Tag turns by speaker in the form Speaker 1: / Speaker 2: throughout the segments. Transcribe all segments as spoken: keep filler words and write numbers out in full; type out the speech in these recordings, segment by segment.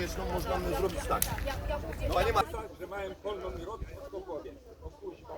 Speaker 1: konieczną można zrobić tak. Panie ma...
Speaker 2: że mają polną i robić wszystko w głowie. O kuźwa,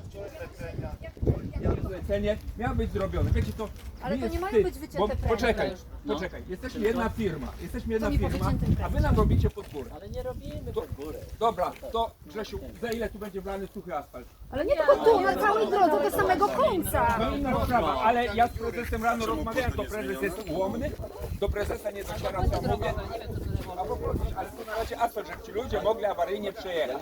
Speaker 2: zlecenie miało być zrobione. Wiecie to.
Speaker 3: Ale to
Speaker 2: jest
Speaker 3: nie mają
Speaker 2: wstyd,
Speaker 3: być wycięte
Speaker 2: bo,
Speaker 3: pręty.
Speaker 2: Poczekaj,
Speaker 4: No.
Speaker 2: poczekaj. Jesteśmy jedna firma. Jesteśmy jedna
Speaker 3: mi
Speaker 2: firma,
Speaker 3: powyciętym prętem.
Speaker 2: a wy nam robicie pod górę.
Speaker 4: Ale nie robimy pod górę.
Speaker 2: Dobra, to Grzesiu, za ile tu będzie wlany suchy asfalt?
Speaker 3: Ale nie tylko tu, na całej drodze do samego końca.
Speaker 2: No inna sprawa, ale ja z prezesem rano rozmawiałem, to prezes jest ułomny, do prezesa nie dociera, co mówię. A po prostu, ale tu na razie asfalt, żeby ci ludzie mogli awaryjnie przejechać.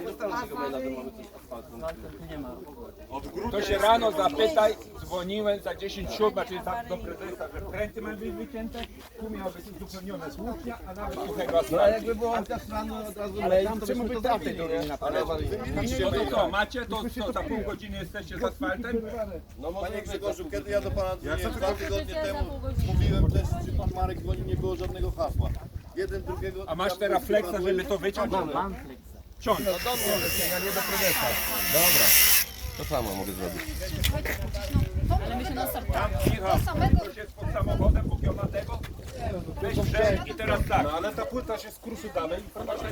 Speaker 4: Nie ma.
Speaker 2: To się rano zapytaj, dzwoniłem za dziesięć siódma, czyli za, do prezesa, że pręty mają być wycięte, tu miało być uzupełnione słupnia, a nawet suchego asfaltu.
Speaker 1: Jakby było tak rano od razu
Speaker 2: Ale
Speaker 1: tam, to
Speaker 2: czemu
Speaker 1: byśmy
Speaker 2: by
Speaker 1: to
Speaker 2: tamtej
Speaker 1: zrobili,
Speaker 2: drogi nie
Speaker 1: nie?
Speaker 2: naprawili?
Speaker 1: Wymieniliście
Speaker 2: No
Speaker 1: mnie.
Speaker 2: to co, macie, to co, za pół godziny jesteście z asfaltem?
Speaker 1: No panie Grzegorzu, kiedy ja do pana dzwoniłem dwa tygodnie temu, mówiłem też, czy pan Marek dzwoni, nie było żadnego hasła. Jeden drugiego...
Speaker 2: A masz teraz flexa, żeby to wyciąć?
Speaker 4: Mam flexa.
Speaker 2: Ciąć. No dobrze, ja nie do prezesa. Dobra.
Speaker 1: To samo mogę zrobić.
Speaker 3: Ale my się na start.
Speaker 2: Michał, ktoś jest pod samochodem pokiomatego? Weź przed i teraz tak.
Speaker 1: No ale ta płyta się skruszy dalej.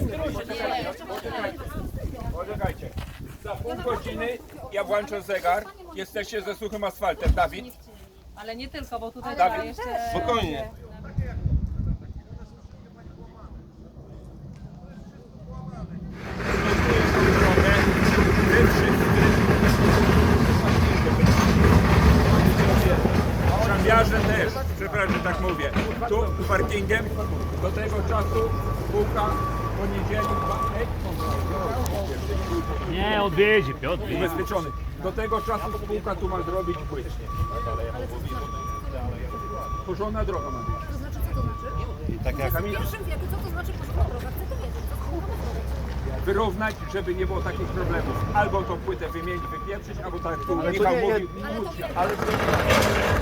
Speaker 2: Poczekajcie. Za pół godziny ja włączę zegar. Jesteście ze suchym asfaltem. Dawid?
Speaker 5: Ale nie tylko, bo tutaj
Speaker 2: Dawid.
Speaker 5: trzeba jeszcze...
Speaker 1: Spokojnie.
Speaker 2: Szambiarze też, przepraszam, że tak mówię. Tu parkingiem do tego czasu spółka w poniedziałek
Speaker 6: Nie, odwiedzie, Piotr.
Speaker 2: ubezpieczony. Do tego czasu spółka tu ma zrobić płyt. Porządna droga ma być.
Speaker 3: To znaczy, co to znaczy?
Speaker 1: Tak jak...
Speaker 3: W pierwszym wieku, co to znaczy porządna droga? Chcę to wiedzieć, co to znaczy?
Speaker 2: Wyrównać, żeby nie było takich problemów. Albo tą płytę wymienić, wypieprzyć, albo tak jak tu
Speaker 1: Ale to
Speaker 2: Michał
Speaker 1: nie, nie,
Speaker 2: mówił,
Speaker 3: Ale to
Speaker 2: móc się.
Speaker 1: ale to...